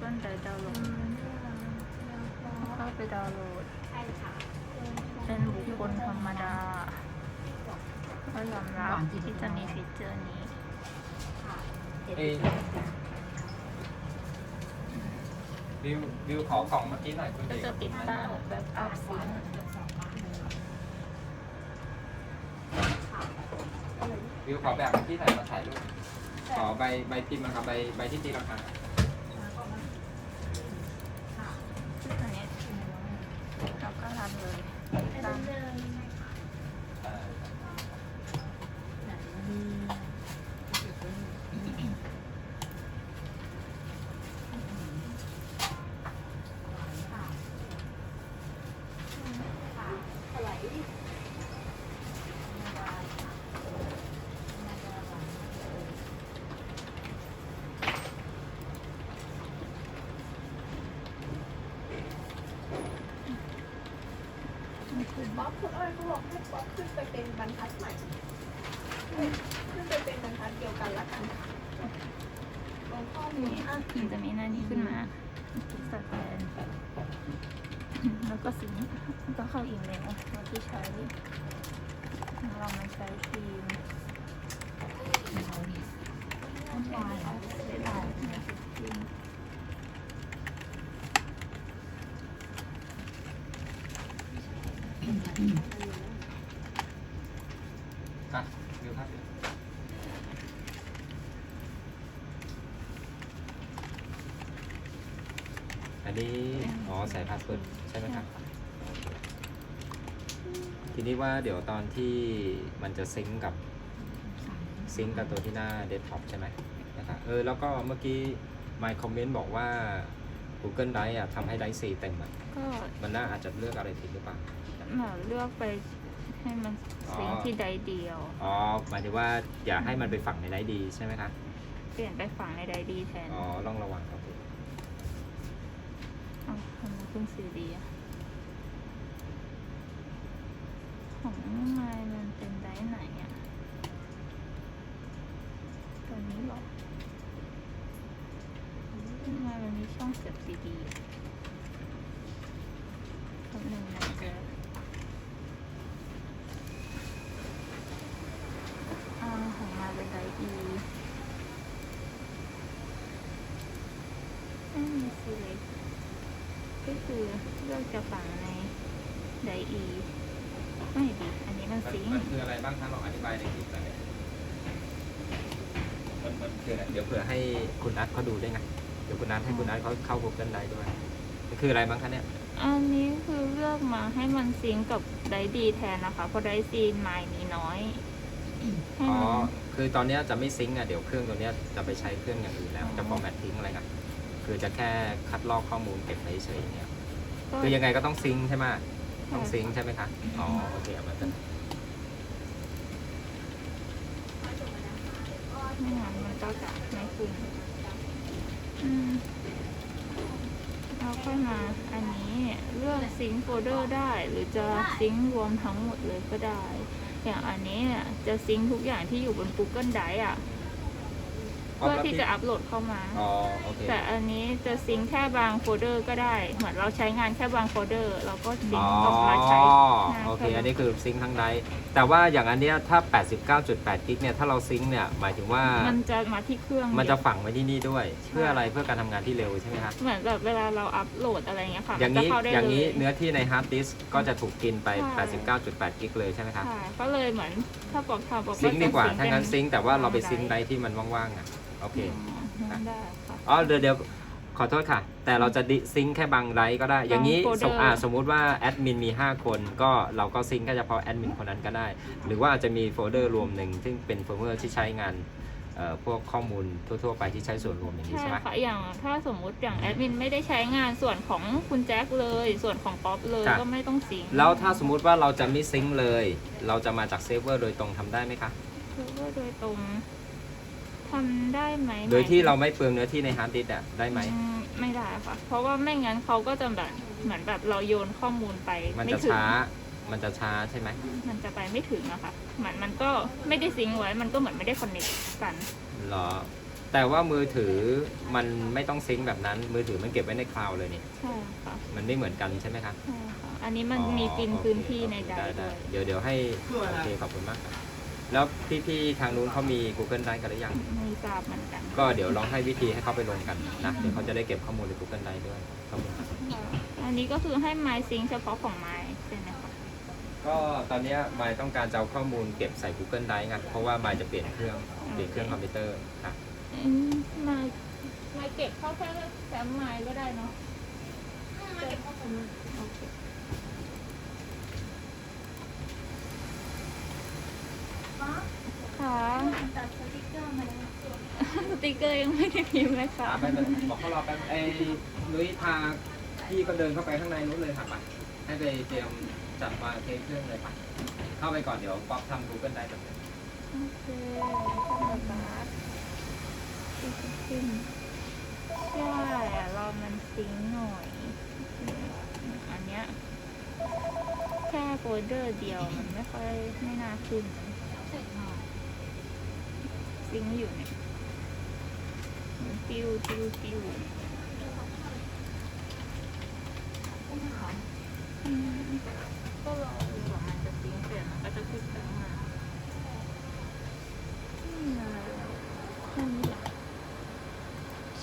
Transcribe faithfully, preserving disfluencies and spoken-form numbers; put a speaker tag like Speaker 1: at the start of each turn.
Speaker 1: Google Drive ดาวน์โหลดเข้าไปดาวน์โหลดเป็นบุคคลธรรมดาก็ยอมรับที่จะมีฟีเจอร์นี้
Speaker 2: เอ้วิววิวขอกล่องเมื่อกี้หน่อยคุณ
Speaker 1: ก็
Speaker 2: เด็ก
Speaker 1: จะติดตั้งแบบอัพซิงค์
Speaker 2: วิวขอแบบเมื่อกี้หน่อยมาถ่ายรูปขอใบใบพิมพ์นะครับใบใบที่ตีราคา
Speaker 1: ซึ่งอันนี้เราก็รันเลยตาม
Speaker 3: บ๊อบคุณอ้อยเขาบอกให้บ๊อบขึ้นไปเป็นบรรทัดใหม่ขึ้นไปเป็นบรรทัดเดียวกันละกันลงข้อมูล
Speaker 1: นี่มันจะมีหน้านี้ขึ้นมาสแกนแล้วก็สิงแล้วก็เข้าอีเมลตัวที่ใช้เรามาใช้ทีมไม่ได้ไม่ได้ทีม
Speaker 2: อ่ะวิวครับอันนี้อ๋อใส่พาสเวิร์ดใช่ไหมครับทีนี้ว่าเดี๋ยวตอนที่มันจะซิงก์กับซิงก์กับตัวที่หน้าเดสก์ท็อปใช่ไหมนะครับเออแล้วก็เมื่อกี้ My Comment บอกว่า Google Drive อ่ะทำให้ Drive สี่เต็มอ่ะ
Speaker 1: ก็
Speaker 2: มันน่าอาจจะเลือกอะไรผิดหรือเปล่า
Speaker 1: เหมือนเลือกไปให้มันซิงค์ที่ใดเดียว
Speaker 2: อ๋อหมายถึงว่าอย่าให้มันไปฝังใน Drive ดีใช่ไหมคะ
Speaker 1: เปลี่ยนไปฝั่งในใดดีแทน
Speaker 2: อ๋อลองระวังครับ
Speaker 1: เอาทำไมขึ้นสีดีอะของไมล์มันเป็นไดไหนอะตัวนี้หรอทำไมมันมีช่องเสียบซีดีคำหนึ่งนะเจออ่าของมาเป็นไดอีไม่มีซีเล็กก็คือเลือกจะฝังในไดอีไม่ดีอันนี้มันซิงค์
Speaker 2: มันคืออะไรบ้างคะลองอธิบายในคลิปหน่อยมันมันคืออะไรเดี๋ยวเผื่อให้คุณนัทเขาดูด้วยไงเดี๋ยวคุณนัทให้คุณนัทเขาเข้า Google Drive ด้วยมันคืออะไรบ้างคะเนี่ย
Speaker 1: อันนี้คือเลือกมาให้มันซิงก์กับไดดีแทนนะคะ เพราะไดซีนไมล์มีน้อยให้
Speaker 2: อ๋อ
Speaker 1: มัน
Speaker 2: คือตอนเนี้ยจะไม่ซิงก์อ่ะเดี๋ยวเครื่องตัวเนี้ยจะไปใช้เครื่องอย่างอื่นแล้ว จะฟอร์แมตทิ้งอะไรกันคือจะแค่คัดลอกข้อมูลเก็บไว้เฉยๆเนี่ย
Speaker 1: ก็
Speaker 2: คือยังไงก็ต้องซิงก์ใช่ไหมต้องซิงก์ใช่ไหมคะอ๋อโอเคเอามากัน
Speaker 1: ไม่งั้นมันก็จะไม่ขึ้นอืมเราค่อยมาอันนี้เลือกซิงค์โฟลเดอร์ได้ หรือจะซิงค์รวมทั้งหมดเลยก็ได้ อย่างอันนี้เนี่ยจะซิงค์ทุกอย่างที่อยู่บน Google Drive อ่ะ เพื่อที่จะอัปโหลดเข้ามา
Speaker 2: อ๋อโอเค
Speaker 1: แต่อันนี้จะซิงค์แค่บางโฟลเดอร์ก็ได้ เหมือนเราใช้งานแค่บางโฟลเดอร์ เราก็ซิง
Speaker 2: อ๋อ
Speaker 1: ค์ออกมาใช้งาน
Speaker 2: โอเค
Speaker 1: แค่
Speaker 2: อันนี้คือซิงค์ทั้งไดร์แต่ว่าอย่างอันเนี้ยถ้า แปดสิบเก้าจุดแปด กิกเนี่ยถ้าเราซิงค์เนี่ยหมายถึงว่า
Speaker 1: มันจะมาที่เครื่อง
Speaker 2: มันจะ
Speaker 1: เดียว
Speaker 2: ฝังไว้ที่นี่ด้วย เพื่ออะไรเพื่อการทำงานที่เร็วใช่ไหมคะ
Speaker 1: เหมือนแบบเวลาเราอัปโหลดอะไรเงี้ยค่ะ
Speaker 2: อย่าง
Speaker 1: นี้
Speaker 2: นี้
Speaker 1: เข้าได้
Speaker 2: อย่างนี้
Speaker 1: เลย
Speaker 2: เนื้อที่ในฮาร์ดดิสก์ก็จะถูกกินไป
Speaker 1: ใช่
Speaker 2: แปดสิบเก้าจุดแปด กิกเลยใช่ไหมคะ
Speaker 1: ใช่ก็เลยเหมือนถ้าบอกทำบอก
Speaker 2: ซิงค์ดีกว่า ถ้างั้น
Speaker 1: เป็
Speaker 2: ซิงค์แต่ว่าเราไปซิงค์ไดร์ที่มันว่างๆอ่ะโอเค
Speaker 1: อ๋อได้ค่ะ
Speaker 2: อ๋อเดี๋ยวเดี๋ยวขอโทษค่ะ แต่เราจะดิซิงค์แค่บางไดร์ก็ได้ อย่างนี้
Speaker 1: บางโฟลเดอร์
Speaker 2: สมอ่าสมมุติว่าแอดมินมีห้าคนก็เราก็ซิงค์แค่เฉพาะแอดมินคนนั้นก็ได้ หรือว่าอาจจะมีโฟลเดอร์รวมหนึ่งซึ่งเป็นโฟลเดอร์ที่ใช้งานเอ่อพวกข้อมูลทั่วๆไปที่ใช้ส่วนรวมอย่างนี้
Speaker 1: ใช่
Speaker 2: ใช่ไหม
Speaker 1: ค่ะอย่างถ้าสมมุติอย่างแอดมินไม่ได้ใช้งานส่วนของคุณแจ็คเลย ส่วนของป๊อปเลย
Speaker 2: ครับ
Speaker 1: ก็ไม่ต้องซิงค์
Speaker 2: แล้วถ้าสมมุติว่าเราจะไม่ซิงค์เลย เราจะมาจากเซิร์ฟเวอร์โดยตรงทำได้ไหมคะ
Speaker 1: คือว่าโดยตรงทำได้ไหม
Speaker 2: โดยที่เราไม่เปลืองเนื้อที่ในฮาร์ดดิสก์อะได้ไหม
Speaker 1: อืมไม่ได้ค่ะ เพราะว่าไม่งั้นเขาก็จะแบบเหมือนแบบเราโยนข้อมูลไป
Speaker 2: มัน
Speaker 1: ไม่
Speaker 2: จะ
Speaker 1: ถึง
Speaker 2: ช้า มันจะช้าใช่ไหม
Speaker 1: มันจะไปไม่ถึงอะค่ะเหมือนมันก็ไม่ได้ซิงค์ไว้ มันก็เหมือนไม่ได้คอนเนคกัน
Speaker 2: เหรอแต่ว่ามือถือมันไม่ต้องซิงค์แบบนั้น มือถือมันเก็บไว้ในคลาวด์เลยนี่
Speaker 1: ใช่ค่ะ
Speaker 2: มันไม่เหมือนกันใช่ไหมครับ
Speaker 1: ใช่ค่ะ อันนี้มัน
Speaker 2: อ๋อ
Speaker 1: มีกิน
Speaker 2: โอเค
Speaker 1: พื้นที่ในได
Speaker 2: ได้
Speaker 1: ร์ด้
Speaker 2: ได้
Speaker 1: วย
Speaker 2: เดี๋ยวเดี๋ยวให้โอเคขอบคุณมากครับ แล้วพี่ๆทางนู้นเขามี Google Drive กันหรือยัง
Speaker 1: ไม่ทราบเหมือนกัน
Speaker 2: ก็เดี๋ยวลองให้วิธีให้เขาไปลงกันนะ เดี๋ยวเขาจะได้เก็บข้อมูลใน Google Drive ด้วยขอบคุณครับ
Speaker 1: ค่ะอันนี้ก็คือให้ My Sync เฉพาะของ My ใช่ไหมคะ
Speaker 2: ก็ตอนเนี้ยมายต้องการจะเอาข้อมูลเก็บใส่ Google Drive ไงเพราะว่ามายจะเปลี่ยนเครื่องเปลี่ยนเครื่องคอมพิวเตอร์ครับ
Speaker 1: อืม My My เก็บเข้าแค่แฟ้ม My ก็ได้เนาะ
Speaker 3: มาเก็บข้อมูล
Speaker 1: โอเค
Speaker 3: ฟ้า
Speaker 1: ค่ะ
Speaker 3: ตัดสติ๊กเกอร์มาแล้ว
Speaker 1: สติกเกอร์ยังไม่ได้พิมพ์เลยค่ะ
Speaker 2: ไปไปบอกเขารอแป๊บไอ้นุ้ยพาพี่ก็เดินเข้าไปข้างในนู้นเลยค่ะไปให้ไปเตรียมจัดวางเทเครื่องเลยไปเข้าไปก่อนเดี๋ยวป๊อปทำ Google Drive แบบนี้
Speaker 1: โอเคทำแบบนั้นขึ้นใช่อะเรามันซิงค์หน่อย อันเนี้ยแค่โฟลเดอร์เดียวมันไม่ค่อยไม่น่าขึ้นซิงค์อยู่เนี่ยมันปิ้วปิ้วปิ้วอืมก็รอ